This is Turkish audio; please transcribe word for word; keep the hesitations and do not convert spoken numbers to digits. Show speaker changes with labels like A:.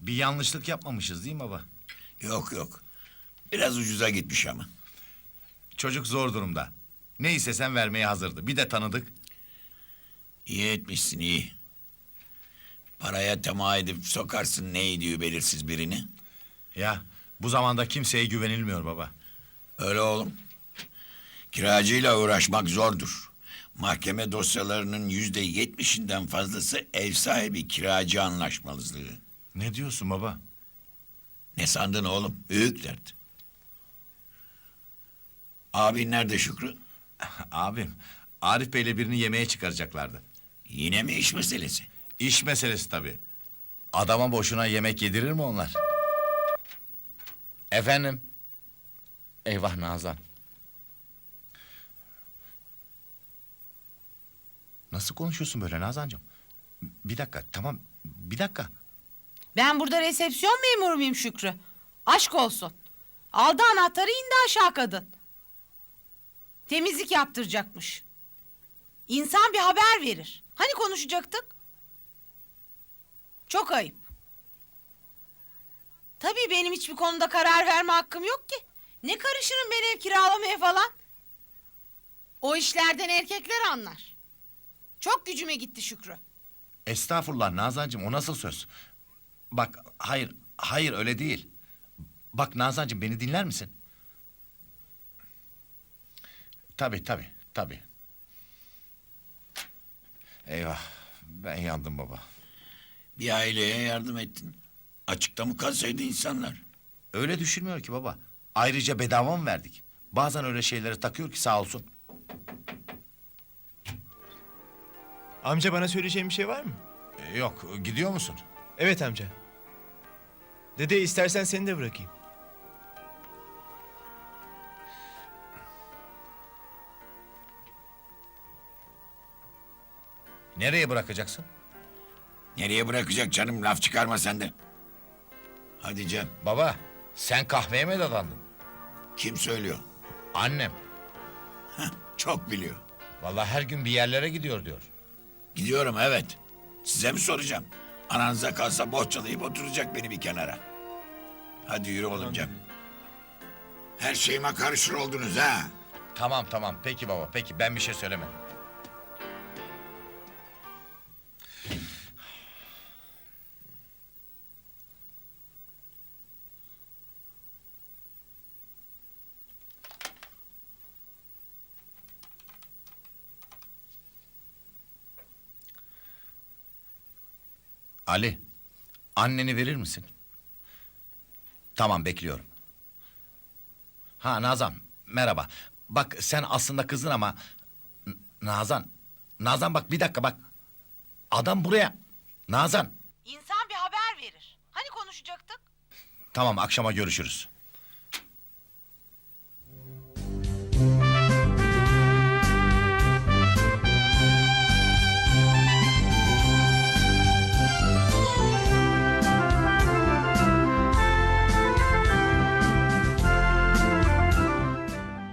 A: Bir yanlışlık yapmamışız değil mi baba?
B: Yok yok. Biraz ucuza gitmiş ama.
A: Çocuk zor durumda. Ne istesen vermeye hazırdı. Bir de tanıdık.
B: İyi etmişsin iyi. Paraya tamah edip sokarsın ne ediyor belirsiz birini.
A: Ya bu zamanda kimseye güvenilmiyor baba.
B: Öyle oğlum. Kiracıyla uğraşmak zordur. Mahkeme dosyalarının yüzde yetmişinden fazlası ev sahibi kiracı anlaşmazlığı.
A: Ne diyorsun baba?
B: Ne sandın oğlum? Büyük dert. Abin nerede Şükrü?
A: Abim, Arif Bey'le birini yemeğe çıkaracaklardı.
B: Yine mi iş meselesi?
A: İş meselesi tabii. Adama boşuna yemek yedirir mi onlar? Efendim? Eyvah Nazan. Nasıl konuşuyorsun böyle Nazancığım? Bir dakika, tamam, bir dakika.
C: Ben burada resepsiyon memuru muyum Şükrü? Aşk olsun. Aldı anahtarı indi aşağı kadın. Temizlik yaptıracakmış. İnsan bir haber verir. Hani konuşacaktık? Çok ayıp. Tabii benim hiçbir konuda karar verme hakkım yok ki. Ne karışırım ben ev kiralamaya falan. O işlerden erkekler anlar. Çok gücüme gitti Şükrü.
A: Estağfurullah Nazancığım, o nasıl söz? Bak, hayır, hayır öyle değil. Bak Nazancığım, beni dinler misin? Tabii, tabii, tabii. Eyvah, ben yandım baba.
B: Bir aileye yardım ettin. Açıkta mı kalsaydı insanlar?
A: Öyle düşünmüyor ki baba. Ayrıca bedava mı verdik? Bazen öyle şeylere takıyor ki sağ olsun.
D: Amca bana söyleyeceğin bir şey var mı?
A: Ee, yok, gidiyor musun?
D: Evet amca. Dede istersen seni de bırakayım.
A: Nereye bırakacaksın?
B: Nereye bırakacak canım, laf çıkarma sen de. Hadi Cem,
A: Baba, sen kahveye mi dadandın?
B: kim söylüyor?
A: Annem.
B: Heh, çok biliyor.
A: Vallahi her gün bir yerlere gidiyor diyor.
B: Gidiyorum evet. Size mi soracağım? Ananıza kalsa bohçalayıp oturacak beni bir kenara. Hadi yürü oğlum Cem. Her şeyime karışır oldunuz ha.
A: Tamam tamam, peki baba, peki ben bir şey söylemedim. Ali, anneni verir misin? Tamam, bekliyorum. Ha Nazan, merhaba. Bak sen aslında kızın ama... N- Nazan, Nazan bak bir dakika bak. Adam buraya. Nazan.
C: İnsan bir haber verir. Hani konuşacaktık?
A: Tamam, akşama görüşürüz.